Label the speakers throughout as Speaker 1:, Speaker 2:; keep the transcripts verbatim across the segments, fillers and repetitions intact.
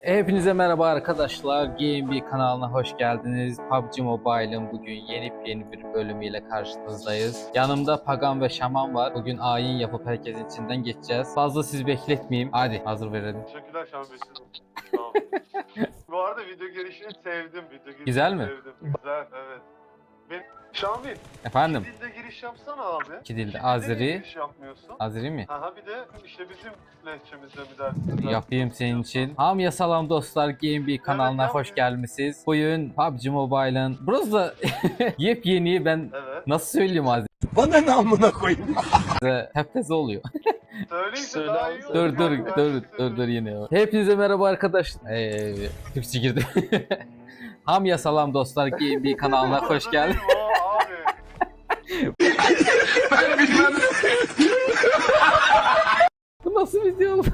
Speaker 1: Hepinize merhaba arkadaşlar. G M B kanalına hoş geldiniz. P U B G Mobile'ın bugün yeni yeni bir bölümüyle karşınızdayız. Yanımda Pagan ve Şaman var. Bugün ayin yapıp herkesin içinden geçeceğiz. Fazla sizi bekletmeyeyim. Hadi hazır verelim.
Speaker 2: Teşekkürler Şahan Bey. Tamam. Bu arada video girişini sevdim. Video girişini
Speaker 1: Güzel mi?
Speaker 2: Sevdim. Güzel, evet. Ben Şahan Bey,
Speaker 1: Efendim?
Speaker 2: iki dilde giriş yapsana abi.
Speaker 1: İki dilde.
Speaker 2: İki dilde
Speaker 1: Azeri.
Speaker 2: niye giriş yapmıyorsun?
Speaker 1: Azeri mi?
Speaker 2: Aha bir de işte bizim lehçemizde bir ders.
Speaker 1: Yapayım senin için. Hamya salam dostlar, G M B kanalına
Speaker 2: Evet,
Speaker 1: hoş
Speaker 2: abi.
Speaker 1: gelmişsiniz. Bugün P U B G Mobile'ın burası da yepyeni, ben
Speaker 2: Evet.
Speaker 1: nasıl söyleyeyim Azeri?
Speaker 3: Bana ne amına koyayım?
Speaker 1: Hepteze oluyor.
Speaker 2: Söyleyince
Speaker 4: Söyle
Speaker 2: daha
Speaker 4: abi,
Speaker 2: iyi olur.
Speaker 1: Dur dur
Speaker 2: Ben
Speaker 1: dur
Speaker 2: size
Speaker 1: dur dur yine. Hepinize merhaba arkadaşlar. Ee, Türkçe girdi. Hamya salam dostlar, G M B kanalına hoş
Speaker 2: Orada
Speaker 1: geldin.
Speaker 2: değilim o abi.
Speaker 1: Bu nasıl video oğlum?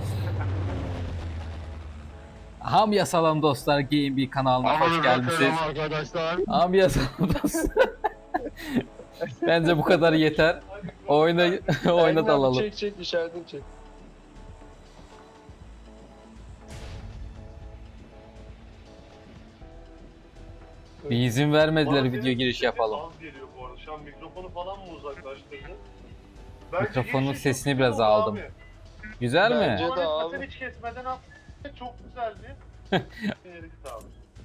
Speaker 1: Hamya salam dostlar, G M B kanalına hoş gelmişsiniz.
Speaker 4: arkadaşlar.
Speaker 1: Hamya salam dostlar. Bence bu kadar yeter. Oyna oyna dalalım.
Speaker 4: Çek çek işaretini çek.
Speaker 1: Bir izin vermediler
Speaker 2: Bana
Speaker 1: video
Speaker 2: senin
Speaker 1: giriş
Speaker 2: sesin
Speaker 1: yapalım.
Speaker 2: az geliyor bu arada. Şu an mikrofonu falan mı uzaklaştırdın? Bence
Speaker 1: Mikrofonun
Speaker 2: girişi çok
Speaker 1: sesini
Speaker 2: güzel
Speaker 1: biraz
Speaker 2: oldu
Speaker 1: aldım.
Speaker 2: abi.
Speaker 1: Güzel mi?
Speaker 4: Bence-
Speaker 2: Bana
Speaker 4: de abi.
Speaker 2: etmesen hiç kesmeden at. Çok güzeldi. Yeri git abi.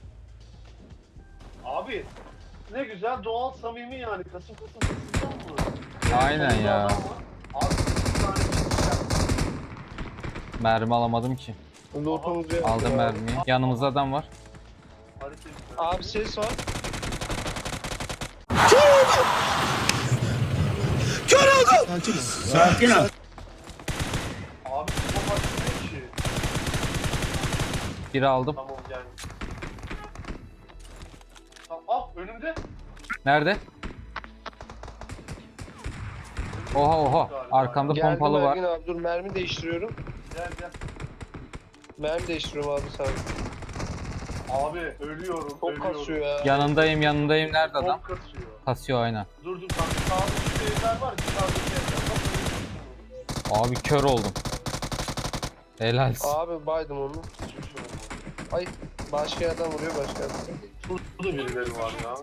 Speaker 2: Abi ne güzel doğal samimi yani kasım kasım kasımdan mı?
Speaker 1: Aynen
Speaker 2: Sonunda
Speaker 1: ya.
Speaker 2: adam var. Abi bir tane çıkacak.
Speaker 1: Mermi alamadım ki.
Speaker 4: Lootumuzu yaptık
Speaker 1: Aldım
Speaker 4: abi.
Speaker 1: mermiyi. Yanımızda adam var.
Speaker 2: Hareket güzel.
Speaker 4: Abi ses var.
Speaker 3: Sakin ol.
Speaker 2: Abi bu maç ne ki?
Speaker 1: Biri aldım.
Speaker 2: Tamam gel. Tamam, ah önümde.
Speaker 1: Nerede? Oha oha. Arkamda
Speaker 4: Geldim
Speaker 1: pompalı var.
Speaker 4: Ergin abi, dur mermi değiştiriyorum.
Speaker 2: Gel gel.
Speaker 4: Mermi değiştiriyorum abi sen.
Speaker 2: Abi ölüyorum.
Speaker 4: Çok
Speaker 2: ölüyorum.
Speaker 4: kasıyor ya.
Speaker 1: Yanındayım yanındayım. Nerede adam?
Speaker 2: Çok kasıyor.
Speaker 1: Kasıyor aynen.
Speaker 2: Dur dur bak sağda şu evler var. Dışarıdaki evler. Bak,
Speaker 1: Abi kör oldum. Helalsin.
Speaker 4: Abi baydım onu.
Speaker 2: hiçbir şey olmadı.
Speaker 4: Ay başka yerden vuruyor başka yerden.
Speaker 2: Burada birileri var ya.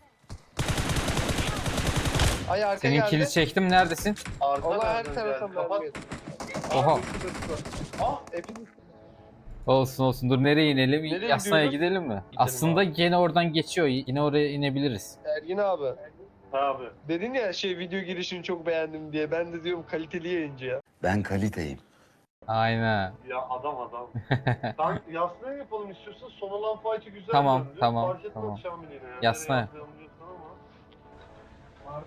Speaker 4: Ay arka
Speaker 1: Senin
Speaker 4: geldi.
Speaker 1: kili çektim. Neredesin?
Speaker 2: Arka
Speaker 4: Allah her
Speaker 2: nereden
Speaker 4: tarafa
Speaker 2: geldi? Kapat.
Speaker 4: mermi yedi.
Speaker 1: Oha.
Speaker 2: Ah
Speaker 4: Hepiniz.
Speaker 1: Olsun olsun. Dur nereye inelim?
Speaker 4: Nereye
Speaker 1: Yasnaya
Speaker 4: gidiyoruz?
Speaker 1: gidelim mi? Aslında
Speaker 2: abi.
Speaker 1: gene oradan geçiyor. Yine oraya inebiliriz.
Speaker 4: Ergin abi.
Speaker 2: abi.
Speaker 4: Dedin ya şey video girişini çok beğendim diye. Ben de diyorum kaliteli yayıncı ya.
Speaker 3: Ben kaliteyim.
Speaker 1: Aynen.
Speaker 2: Ya adam adam. Sen yasnaya yapalım istiyorsan son olan fight'ı güzel
Speaker 1: Tamam,
Speaker 2: döndü.
Speaker 1: tamam,
Speaker 2: Fark etmez
Speaker 1: tamam.
Speaker 2: Şamil yine ya.
Speaker 1: Yasnaya.
Speaker 2: Nereye yapalım diyorsan ama.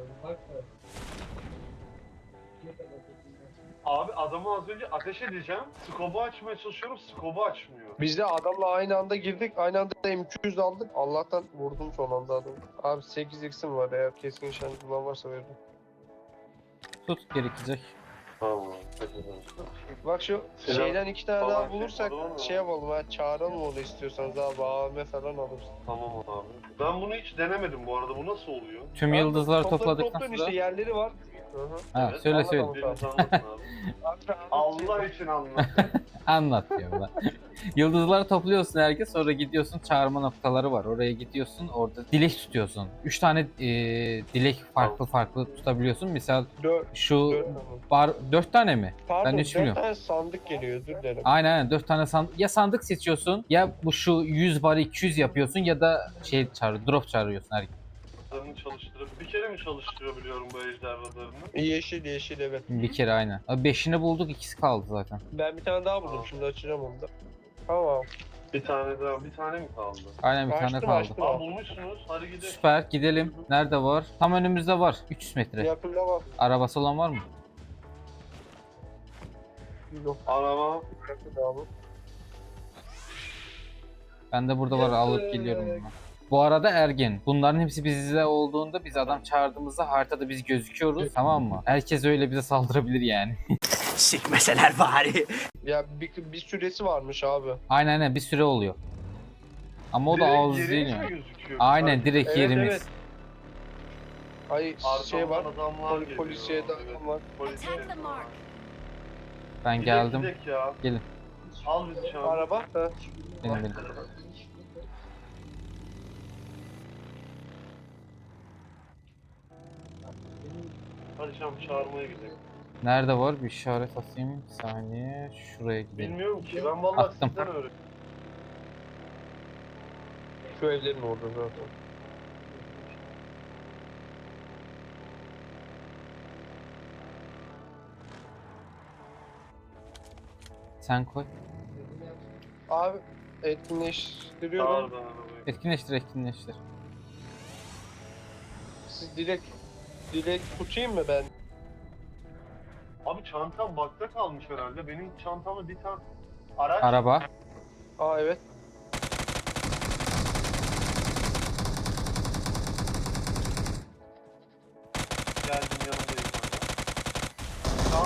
Speaker 2: Abi adamı az önce ateş edeceğim. Skobu açmaya çalışıyorum. Skobu açmıyor.
Speaker 4: Biz de adamla aynı anda girdik. Aynı anda M iki yüz aldık. Allah'tan vurdum son anda adamı. Abi sekiz x'im var, eğer keskin nişancı bulan varsa veririm.
Speaker 1: Tut gerekecek.
Speaker 2: Tamam.
Speaker 4: Bak şu
Speaker 2: Silah
Speaker 4: şeyden iki tane
Speaker 2: falan
Speaker 4: daha bulursak
Speaker 2: çekmedi ama.
Speaker 4: şey yapalım ha, çağıralım onu istiyorsanız abi, A V M falan alırız.
Speaker 2: Tamam abi. Ben bunu hiç denemedim bu arada. Bu nasıl oluyor?
Speaker 1: Tüm yıldızları
Speaker 4: Topları
Speaker 1: topladıktan
Speaker 4: toplayın
Speaker 1: sonra.
Speaker 4: işte, yerleri var. Hı hı.
Speaker 1: Ha,
Speaker 2: Evet,
Speaker 1: söyle
Speaker 4: anladım.
Speaker 1: söyle.
Speaker 2: Biriniz anlatın abi.
Speaker 4: Abi, abi,
Speaker 2: Allah için anlat.
Speaker 1: Anlat diyor bana. Yıldızları topluyorsun herkes, sonra gidiyorsun çağırma noktaları var. Oraya gidiyorsun, orada dilek tutuyorsun. Üç tane e, dilek farklı farklı tutabiliyorsun. Misal
Speaker 4: Dört,
Speaker 1: şu
Speaker 4: dört tane.
Speaker 1: bar dört tane mi?
Speaker 4: Pardon,
Speaker 1: hiç
Speaker 4: dört
Speaker 1: bilmiyorum.
Speaker 4: tane sandık geliyor, özür dilerim.
Speaker 1: Aynen aynen dört tane sandık. Ya sandık seçiyorsun ya bu şu yüz bar iki yüz yapıyorsun ya da şey çağır drop çağırıyorsun herkes.
Speaker 2: Radarını çalıştırıp bir kere mi çalıştırabiliyorum bu ejder radarını?
Speaker 4: Yeşil yeşil evet.
Speaker 1: Bir kere aynen. Abi beşini bulduk, ikisi kaldı zaten.
Speaker 4: Ben bir tane daha buldum,
Speaker 2: Tamam.
Speaker 4: şimdi açacağım onu da. Tamam.
Speaker 2: Bir tane daha, bir tane mi kaldı?
Speaker 1: Aynen bir tane
Speaker 4: Açtım,
Speaker 1: kaldı.
Speaker 4: açtım.
Speaker 2: Aa bulmuşsunuz, hadi gidelim.
Speaker 1: Süper, gidelim. Nerede var? Tam önümüzde var. üç yüz metre.
Speaker 4: Yakında var.
Speaker 1: Arabası olan var mı?
Speaker 4: Yok.
Speaker 2: Araba.
Speaker 4: Yakında abi.
Speaker 1: Ben de burada var, alıp geliyorum bunu. Bu arada Ergin, bunların hepsi bizde olduğunda, biz adam çağırdığımızda haritada biz gözüküyoruz, tamam mı? Herkes öyle bize saldırabilir yani.
Speaker 3: Sikmeseler bari.
Speaker 4: Ya bir, bir süresi varmış abi.
Speaker 1: Aynen aynen bir süre oluyor. Ama o da
Speaker 2: Direkt
Speaker 1: ağız
Speaker 2: yeriniz
Speaker 1: değil
Speaker 2: mi
Speaker 1: yani.
Speaker 2: gözüküyor?
Speaker 1: Aynen direkt
Speaker 4: Evet,
Speaker 1: yerimiz.
Speaker 4: evet. Ay şey var.
Speaker 2: Arkamdan adamlar
Speaker 4: Pol,
Speaker 2: geliyor.
Speaker 4: polisiye de
Speaker 2: Evet,
Speaker 4: adam var.
Speaker 2: polisiye.
Speaker 5: Attack the mark.
Speaker 1: Ben
Speaker 2: Gidek,
Speaker 1: geldim.
Speaker 2: gidek ya.
Speaker 1: Gelin.
Speaker 2: Al bizi Şamil.
Speaker 4: Araba. Ha.
Speaker 1: Benim benim.
Speaker 2: Hadi Şamil çağırmaya gidelim.
Speaker 1: Nerede var? Bir işaret atayım. Bir saniye. Şuraya gidelim.
Speaker 2: Bilmiyorum ki ben vallahi
Speaker 1: Attım.
Speaker 2: sizden öğrendim.
Speaker 4: Şu evlerin orada zaten.
Speaker 1: Sen koy.
Speaker 4: Abi
Speaker 2: Çağır
Speaker 4: etkinleştiriyorum.
Speaker 2: ben arabayı.
Speaker 1: Etkinleştir etkinleştir.
Speaker 4: Siz direkt direkt tutayım mı ben?
Speaker 2: Abi çantam bakta kalmış herhalde. Benim çantamda bir tane araç.
Speaker 1: Araba.
Speaker 4: Aa evet.
Speaker 2: Geldim yanındayım. Tamam.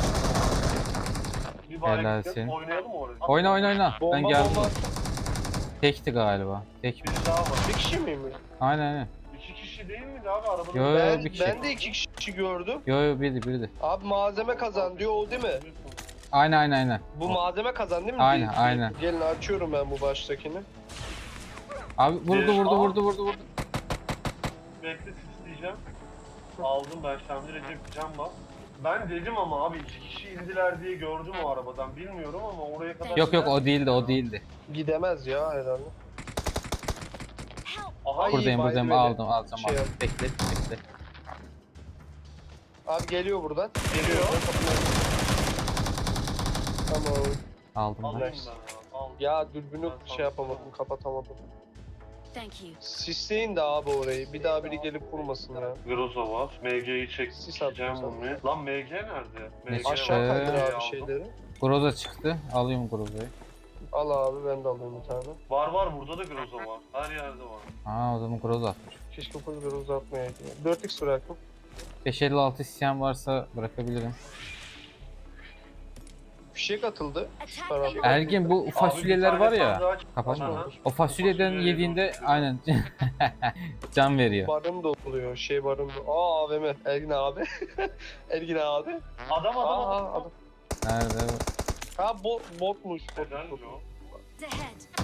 Speaker 2: Bir
Speaker 1: Helal
Speaker 2: bari
Speaker 1: senin.
Speaker 2: oynayalım mı oraya?
Speaker 1: Oyna oyna oyna.
Speaker 4: Bomba
Speaker 1: Ben geldim.
Speaker 4: bomba.
Speaker 1: Tekti galiba. Tek.
Speaker 2: Bir daha var.
Speaker 4: Bir kişi miyim?
Speaker 1: Aynen aynen.
Speaker 2: İki kişi değil miydi abi arabada?
Speaker 1: Yo, yo,
Speaker 4: Ben,
Speaker 1: bir kişi.
Speaker 4: ben de iki kişi gördüm.
Speaker 1: Yo yo birdi birdi.
Speaker 4: Abi malzeme kazan diyor o değil mi?
Speaker 1: Aynen aynen aynen.
Speaker 4: Bu malzeme kazan değil mi?
Speaker 1: Aynen,
Speaker 4: Bir- bir-
Speaker 1: aynen.
Speaker 4: Gelin açıyorum ben bu baştakini.
Speaker 1: Abi vurdu vurdu vurdu vurdu vurdu.
Speaker 2: Bekle sisleyeceğim. Aldım ben Şamil Recep can bas. Ben dedim ama abi iki kişi indiler diye gördüm o arabadan. Bilmiyorum ama oraya kadar...
Speaker 1: Yok yok
Speaker 2: giden-
Speaker 1: o değildi o değildi.
Speaker 4: Gidemez ya herhalde.
Speaker 2: Aha,
Speaker 4: Ay,
Speaker 1: Buradayım
Speaker 4: baydı
Speaker 1: buradayım
Speaker 4: beni.
Speaker 1: aldım aldım
Speaker 4: Şey
Speaker 1: aldım.
Speaker 4: yap.
Speaker 1: Bekle bekle.
Speaker 4: Abi geliyor buradan.
Speaker 2: Geliyor.
Speaker 4: Tamam.
Speaker 1: Aldım
Speaker 2: Alayım
Speaker 1: ben.
Speaker 2: ben ya. Al.
Speaker 4: Ya dürbünü
Speaker 2: Ben
Speaker 4: şey
Speaker 2: sana-
Speaker 4: yapamadım, kapatamadım.
Speaker 5: Thank you.
Speaker 4: Sisleyin de abi orayı. Bir daha biri gelip vurmasın ya.
Speaker 2: Groza var. M G'yi
Speaker 4: Sis
Speaker 2: çekeceğim
Speaker 4: attım
Speaker 2: bunu. Lan M G nerede? M G
Speaker 4: Aşağı
Speaker 1: Ee,
Speaker 4: kaydır
Speaker 2: Aldım.
Speaker 4: abi şeyleri.
Speaker 1: Groza çıktı. Alayım Groza'yı.
Speaker 4: Al abi ben de alayım bir tane.
Speaker 2: Var var burada da Groza var. Her yerde var.
Speaker 1: Aa o zaman Groza atmış.
Speaker 4: Keşke full bir uzatmayaydı. dört x bıraktım.
Speaker 1: beş elli altı isteyen varsa bırakabilirim.
Speaker 4: Fişek atıldı.
Speaker 5: Attack
Speaker 4: Tamam.
Speaker 5: the mark.
Speaker 1: Ergin bu fasulyeler
Speaker 2: Abi bir
Speaker 1: var
Speaker 2: tane
Speaker 1: ya.
Speaker 2: sandığı aç-
Speaker 1: Kapatma.
Speaker 2: Aha.
Speaker 1: O fasulyeden
Speaker 2: Fasulye
Speaker 1: yediğinde
Speaker 2: yiyorum.
Speaker 1: aynen can veriyor.
Speaker 4: Barın da oluyor. Şey barın da. Aa A V M. Ergin abi. Ergin abi.
Speaker 2: Adam adam
Speaker 4: Aa
Speaker 2: adam.
Speaker 4: adam.
Speaker 1: Nerede?
Speaker 4: Ha bot, botmuş. Bot,
Speaker 2: Helal
Speaker 4: bot.
Speaker 2: yo.
Speaker 5: Ahead.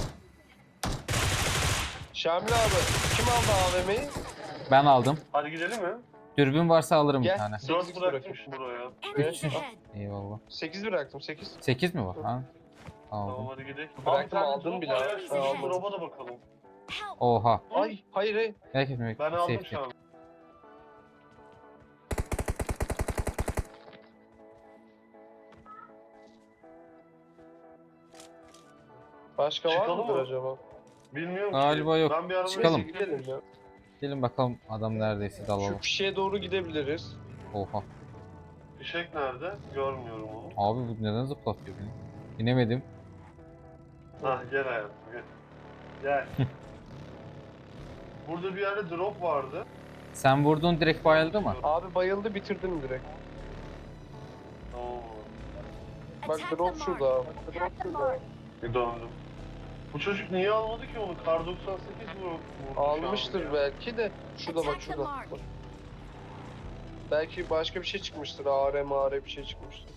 Speaker 4: Şamil abi. Kim aldı A V M'yi?
Speaker 1: Ben aldım.
Speaker 2: Hadi gidelim mi?
Speaker 1: Dürbün varsa alırım bir
Speaker 4: Gel.
Speaker 1: tane.
Speaker 4: sekiz
Speaker 2: Dört
Speaker 4: x
Speaker 2: bıraktım
Speaker 4: bırakayım.
Speaker 2: buraya.
Speaker 5: Enemies
Speaker 1: Üç.
Speaker 5: ahead.
Speaker 1: Eyvallah.
Speaker 4: sekiz bıraktım. sekiz.
Speaker 1: sekiz mi var? Ha?
Speaker 2: Tamam
Speaker 1: Aldım.
Speaker 2: hadi gidelim.
Speaker 4: Bıraktım,
Speaker 2: Abi,
Speaker 4: aldın
Speaker 2: drop
Speaker 4: bile
Speaker 2: var
Speaker 4: abi.
Speaker 2: ya, Şu
Speaker 4: Ben aldım.
Speaker 2: drop'a da bakalım.
Speaker 5: Help.
Speaker 1: Oha.
Speaker 4: Ay hayır hayır.
Speaker 1: Herkes mi?
Speaker 2: Ben aldım
Speaker 1: Safety.
Speaker 2: şu an.
Speaker 4: Başka var
Speaker 2: Çıkalım
Speaker 4: mıdır
Speaker 2: mı?
Speaker 4: acaba?
Speaker 2: Bilmiyorum
Speaker 1: Galiba
Speaker 2: ki.
Speaker 1: yok.
Speaker 2: Ben bir arabaya
Speaker 1: Çıkalım.
Speaker 4: Neyse, gidelim ya.
Speaker 1: Gelin bakalım adam neredeyse dalalım.
Speaker 4: Şu fişeğe doğru gidebiliriz.
Speaker 1: Oha.
Speaker 2: Fişek nerede? Görmüyorum onu.
Speaker 1: Abi bu neden zıplatıyor beni? İnemedim.
Speaker 2: Hah gel hayatım gel. Gel. Burada bir yerde drop vardı.
Speaker 1: Sen vurdun direkt bayıldı mı?
Speaker 4: Abi bayıldı bitirdim direkt.
Speaker 2: Oo.
Speaker 4: Bak
Speaker 5: Attack the
Speaker 4: drop
Speaker 5: mark.
Speaker 4: şurada abi. Drop
Speaker 5: Attack the
Speaker 4: şurada.
Speaker 5: mark.
Speaker 2: Bir döndüm. Bu çocuk niye almadı ki onu? Kar doksan sekiz vurdu. vurdu
Speaker 4: Almıştır
Speaker 2: şu an ya.
Speaker 4: belki de. Şurada bak
Speaker 5: Attack the
Speaker 4: şurada.
Speaker 5: mark.
Speaker 4: Bak. Belki başka bir şey çıkmıştır. A R M A R bir şey çıkmıştır.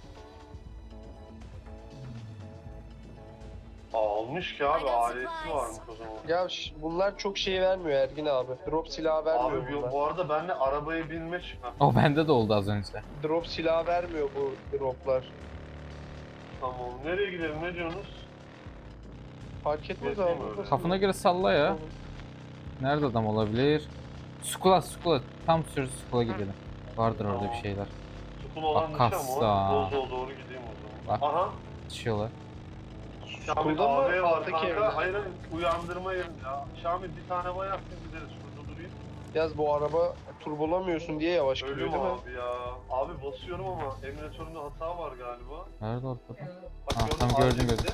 Speaker 2: Almış ki abi.
Speaker 5: I got
Speaker 2: Ailesi
Speaker 5: supplies.
Speaker 2: varmış o zaman.
Speaker 4: Ya ş- bunlar çok şey vermiyor Ergin abi. Drop silahı vermiyor
Speaker 2: Abi
Speaker 4: bunlar.
Speaker 2: bu arada benle arabaya binme çıkar.
Speaker 1: O bende de oldu az önce.
Speaker 4: Drop silahı vermiyor bu droplar.
Speaker 2: Tamam. Nereye gidelim? Ne diyorsunuz?
Speaker 4: Fark etmez
Speaker 2: Gezeyim
Speaker 4: abi.
Speaker 2: öyle.
Speaker 4: burada.
Speaker 1: Kafana göre salla ya. Nerede adam olabilir? Skula skula. Tam sür skula gidelim. Vardır orada bir şeyler.
Speaker 2: Sukul olan
Speaker 1: Bak,
Speaker 2: dışı ama
Speaker 1: kassa.
Speaker 2: o. Bozdoğu doğru gideyim o zaman.
Speaker 1: Bak.
Speaker 2: Aha.
Speaker 1: Düşüyorlar.
Speaker 2: Şamil
Speaker 4: Sukulda mı?
Speaker 2: A V var
Speaker 4: Alttaki
Speaker 2: kanka.
Speaker 4: evde.
Speaker 2: Hayır hayır. Uyandırma yerim ya. Şamil bir tane bay attın gideriz. Şurada durayım.
Speaker 4: Yaz bu araba turbolamıyorsun diye yavaş gidiyor
Speaker 2: Ölüm
Speaker 4: değil mi?
Speaker 2: abi ya. Abi basıyorum ama emülatöründe hata var galiba.
Speaker 1: Nerede ortada?
Speaker 2: Bak
Speaker 1: Ha,
Speaker 2: gördüm,
Speaker 1: tamam,
Speaker 2: abi
Speaker 1: gördüm,
Speaker 2: gitti.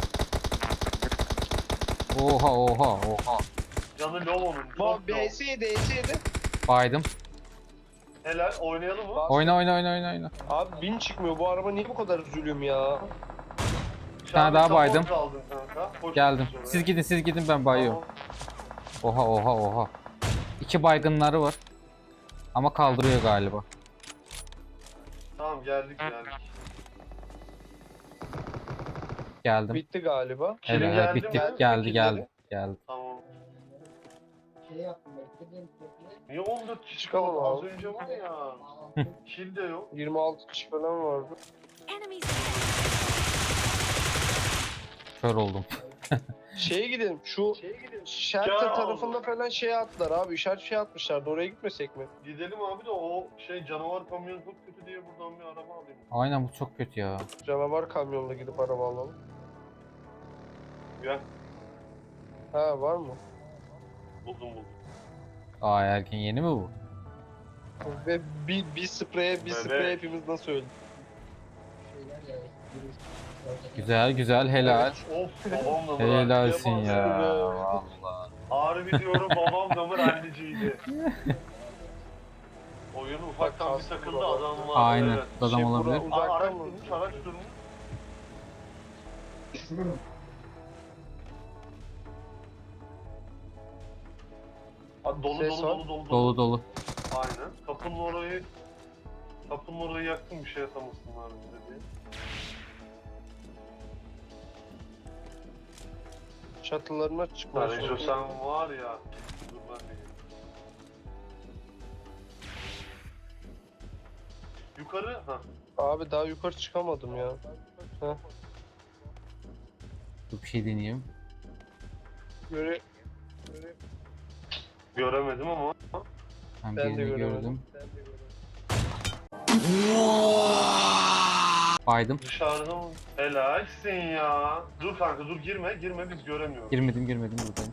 Speaker 1: Oha oha oha.
Speaker 2: Canı low onun.
Speaker 4: Bu
Speaker 2: Çok low.
Speaker 4: B S yedi, B S yedi.
Speaker 1: Baydım.
Speaker 2: Helal oynayalım mı?
Speaker 4: Bak.
Speaker 1: Oyna oyna oyna oyna oyna.
Speaker 4: Abi bin çıkmıyor. Bu araba niye bu kadar zulüm ya?
Speaker 2: Bir
Speaker 1: tane daha baydım.
Speaker 2: Aldın kanka. Hoş
Speaker 1: Geldim.
Speaker 2: geldin
Speaker 1: Siz
Speaker 2: oraya.
Speaker 1: gidin siz gidin ben bayıyorum. Oha oha oha. İki baygınları var. Ama kaldırıyor galiba.
Speaker 2: Tamam geldik geldik.
Speaker 1: Geldim.
Speaker 4: Bitti galiba.
Speaker 1: Evet,
Speaker 2: Kimin
Speaker 1: evet,
Speaker 2: geldi
Speaker 1: bitti.
Speaker 2: mi?
Speaker 1: Geldi
Speaker 4: Kimleri?
Speaker 1: geldi. Geldi.
Speaker 2: Tamam. Niye on dört kişi
Speaker 4: Çıkalım
Speaker 2: kaldı? Az
Speaker 4: abi.
Speaker 2: önce var ya. Kill de yok.
Speaker 4: yirmi altı kişi falan vardı.
Speaker 5: Enemies ahead.
Speaker 1: Kör oldum.
Speaker 4: Şeye gidelim. Şu Shelter
Speaker 2: Ya
Speaker 4: tarafında
Speaker 2: Allah.
Speaker 4: falan şey attılar abi. İşaret şey atmışlardı. Oraya gitmesek mi?
Speaker 2: Gidelim abi de o şey canavar kamyon çok kötü diye buradan bir araba alayım.
Speaker 1: Aynen bu çok kötü ya.
Speaker 4: Canavar kamyonla gidip araba alalım.
Speaker 2: Gel.
Speaker 4: Ha var mı?
Speaker 2: Buldum buldum.
Speaker 1: Aa erken yeni mi bu?
Speaker 4: Ve bir, bir spreye bir
Speaker 2: Evet.
Speaker 4: sprey hepimiz nasıl öldük?
Speaker 1: Güzel güzel helal.
Speaker 2: Of babam da mı?
Speaker 1: Helalsin
Speaker 2: ralliye
Speaker 1: ya.
Speaker 2: bastı.
Speaker 1: Valla.
Speaker 2: Harbi diyorum babam da mı ralliciydi. Oyun ufaktan bir
Speaker 4: Bak,
Speaker 2: takıldı
Speaker 4: baba.
Speaker 2: adam var.
Speaker 1: Aynen.
Speaker 2: Evet.
Speaker 1: Adam
Speaker 4: Şey, bura
Speaker 1: olabilir.
Speaker 4: uzaktan
Speaker 2: Aa, araç
Speaker 4: mı?
Speaker 2: durmuş araç durmuş. Aa, dolu
Speaker 4: Ses
Speaker 2: dolu
Speaker 4: var.
Speaker 2: dolu dolu
Speaker 1: Dolu dolu.
Speaker 2: Aynen. Kapının orayı kapının orayı yaktım bir şey atamasınlar bize diye.
Speaker 4: Çatılarına çıkmaya
Speaker 2: Rejo
Speaker 4: çalışıyorum.
Speaker 2: sen var ya. Dur ben de geleyim. Yukarı ha.
Speaker 4: Abi daha yukarı çıkamadım ya. Heh.
Speaker 1: Dur bir şey deneyeyim.
Speaker 4: Göre... Göre...
Speaker 2: Göremedim ama.
Speaker 1: Ben,
Speaker 4: Ben de
Speaker 1: birini
Speaker 4: göremedim.
Speaker 1: gördüm. Baydım.
Speaker 2: Dışarıda mı? Helalsin ya. Dur kanka dur girme girme biz göremiyoruz.
Speaker 1: Girmedim girmedim buradayım.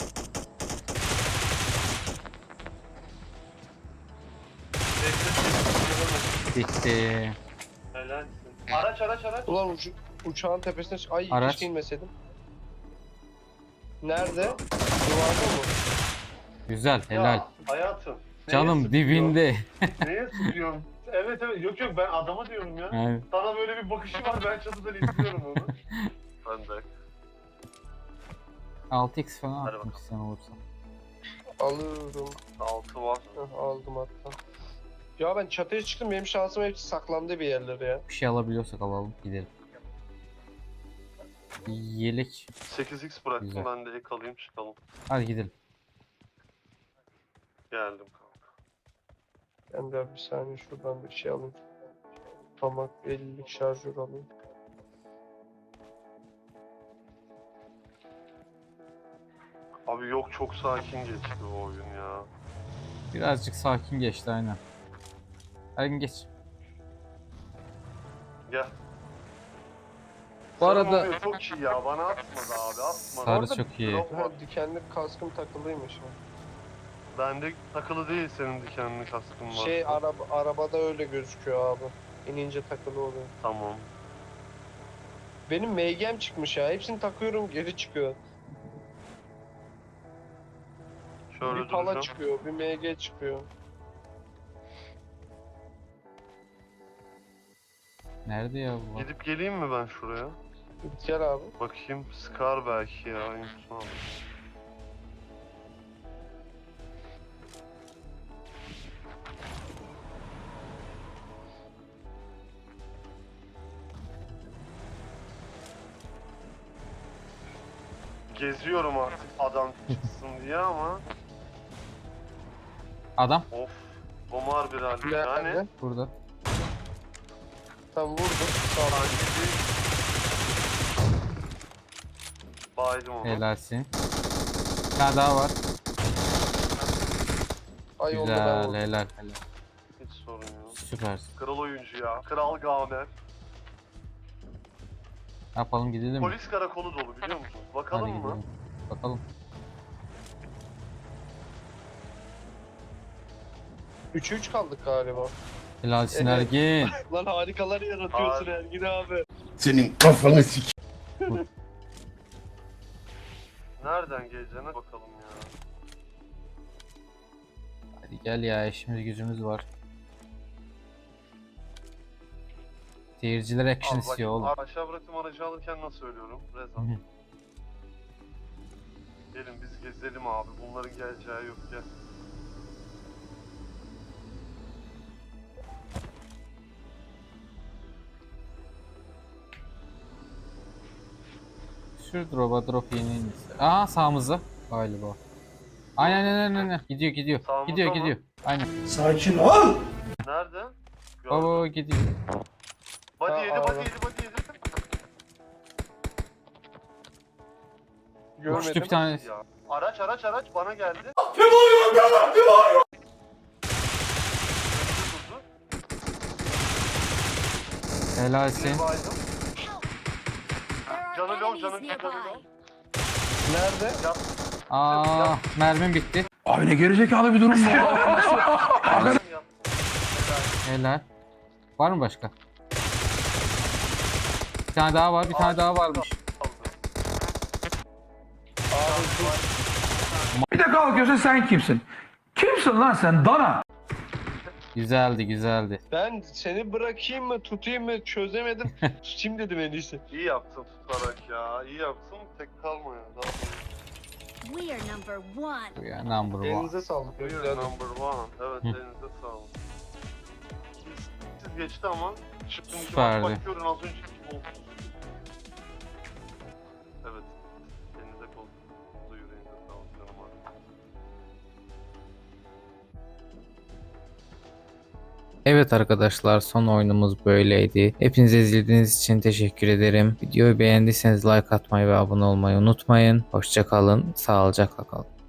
Speaker 2: Bekle,
Speaker 1: Bitti.
Speaker 2: Helalsin. Araç araç araç.
Speaker 4: Ulan uç, uçağın tepesine çık... Ay
Speaker 1: Araç.
Speaker 4: keşke inmeseydim. Nerede? Duvarda mı?
Speaker 1: Güzel helal.
Speaker 2: Ya, hayatım. neye
Speaker 1: Canım
Speaker 2: sıkıyorsun?
Speaker 1: dibinde.
Speaker 2: Neye sıkıyorsun? Evet evet yok yok ben adama diyorum ya.
Speaker 1: Yani
Speaker 2: Sana böyle bir bakışı var ben çatıdan izliyorum onu. Ben de.
Speaker 1: altı x falan
Speaker 2: Hadi
Speaker 1: atmak
Speaker 2: bakalım.
Speaker 1: isteyen olursa.
Speaker 4: Alıyorum.
Speaker 2: Altı var.
Speaker 4: Heh, aldım hatta. Ya ben çatıya çıktım benim şansım hepsi saklandı bir yerlere ya.
Speaker 1: Bir şey alabiliyorsak alalım gidelim. Yelek.
Speaker 2: sekiz x bıraktım
Speaker 1: Güzel.
Speaker 2: ben de ek alayım çıkalım.
Speaker 1: Hadi gidelim.
Speaker 2: Geldim kanka.
Speaker 4: Ben de bir saniye şuradan bir şey alayım. Tamam ellilik şarjör alayım.
Speaker 2: Abi yok çok sakin geçti o oyun ya.
Speaker 1: Birazcık sakin geçti aynen. Hadi geç.
Speaker 2: Gel.
Speaker 1: Bu
Speaker 2: Sarı
Speaker 1: arada
Speaker 2: oluyor, çok iyi ya bana atmadı abi atmadı.
Speaker 1: Sarı
Speaker 4: Orada
Speaker 1: çok iyi.
Speaker 2: drop
Speaker 4: Ha,
Speaker 2: var.
Speaker 4: dikenli kaskım takılıymış ya.
Speaker 2: Bende takılı değil senin dikenli kaskın var.
Speaker 4: Şey araba arabada öyle gözüküyor abi. İnince takılı oluyor.
Speaker 2: Tamam.
Speaker 4: Benim M G'm çıkmış ya. Hepsini takıyorum geri çıkıyor.
Speaker 2: Şöyle
Speaker 4: bir pala
Speaker 2: duracağım.
Speaker 4: çıkıyor, bir M G çıkıyor.
Speaker 1: Nerede ya bu?
Speaker 2: Gidip geleyim mi ben şuraya?
Speaker 4: Gel abi.
Speaker 2: Bakayım Scar belki ya. Unutma abi. Geziyorum artık adam çıksın diye ama
Speaker 1: Adam
Speaker 2: of bomar bir halde yani
Speaker 4: Nerede?
Speaker 1: burada.
Speaker 4: Tam vurdum. Sağ ol.
Speaker 2: sanki bir baydım onu.
Speaker 1: Helalsin. Bir tane daha var.
Speaker 4: Ay onu da ben
Speaker 1: Güzel
Speaker 4: vurdum.
Speaker 1: helal helal.
Speaker 2: Hiç sorun yok.
Speaker 1: Süpersin.
Speaker 2: Kral oyuncu ya. Kral Gamer.
Speaker 1: Ne yapalım gidelim mi?
Speaker 2: Polis karakolu dolu biliyor musun?
Speaker 1: Hadi
Speaker 2: Bakalım mı?
Speaker 1: gidelim. Bakalım.
Speaker 4: üçe üç kaldık galiba.
Speaker 1: Helalsin
Speaker 4: Evet.
Speaker 1: Ergin.
Speaker 4: Lan harikalar yaratıyorsun
Speaker 2: Abi.
Speaker 4: Ergin abi.
Speaker 3: Senin kafanı sik.
Speaker 2: Nereden geleceğine bakalım ya.
Speaker 1: Hadi gel ya işimiz gücümüz var. Seyirciler action
Speaker 2: Al bak,
Speaker 1: istiyor oğlum.
Speaker 2: aşağı bıraktım aracı alırken nasıl söylüyorum? Reza.
Speaker 1: Hı hı.
Speaker 2: Gelin biz gezelim abi. Bunların geleceği yok gel.
Speaker 1: Sür drop'a, drop yeni indisi. Aa sağımızda galiba. Aynen aynen aynen. Gidiyor gidiyor.
Speaker 2: Sağımızda
Speaker 1: Gidiyor
Speaker 2: mı?
Speaker 1: gidiyor. Aynen.
Speaker 3: Sakin ol.
Speaker 2: Nerede? Gördüm.
Speaker 1: Baba gidiyor.
Speaker 2: Body
Speaker 4: Ha,
Speaker 2: yedi,
Speaker 4: abi.
Speaker 2: body yedi, body yedi.
Speaker 4: Görmedim.
Speaker 1: Uçtu bir tanesi.
Speaker 2: Ya. Araç araç araç bana geldi.
Speaker 1: Helalsin.
Speaker 2: Bir baydım.
Speaker 5: Help! There
Speaker 2: Canı
Speaker 5: are
Speaker 2: low,
Speaker 5: enemies
Speaker 2: canı canı
Speaker 5: nearby.
Speaker 2: low.
Speaker 4: Nerede?
Speaker 2: Yat.
Speaker 1: Aa mermim bitti.
Speaker 3: Abi ne gerizekalı bir durum bu.
Speaker 2: Yat.
Speaker 1: Helal. Var mı başka? Bir tane daha var, bir tane daha varmış.
Speaker 4: Abi dur.
Speaker 3: Bir de kalkıyorsun sen kimsin? Kimsin lan sen dana?
Speaker 1: Güzeldi, güzeldi.
Speaker 4: Ben seni bırakayım mı tutayım mı çözemedim. Tutayım dedim en iyisi.
Speaker 2: İyi yaptın tutarak ya. İyi yaptın. Tek kalma ya. Daha
Speaker 5: We are number one.
Speaker 1: Bu ya number one.
Speaker 4: Elinize sağlık.
Speaker 2: Buyur
Speaker 4: Güzel.
Speaker 2: number one. Evet
Speaker 1: Hı.
Speaker 2: elinize sağlık. Siz, siz geçti ama çıktım iki
Speaker 1: Süperdi.
Speaker 2: maç bakıyorum az önce kim oldu? Evet. Elinize kol. Yüreğinize sağlık canım abi.
Speaker 1: Evet arkadaşlar son oyunumuz böyleydi. Hepinize izlediğiniz için teşekkür ederim. Videoyu beğendiyseniz like atmayı ve abone olmayı unutmayın. Hoşça kalın, sağlıcakla kalın.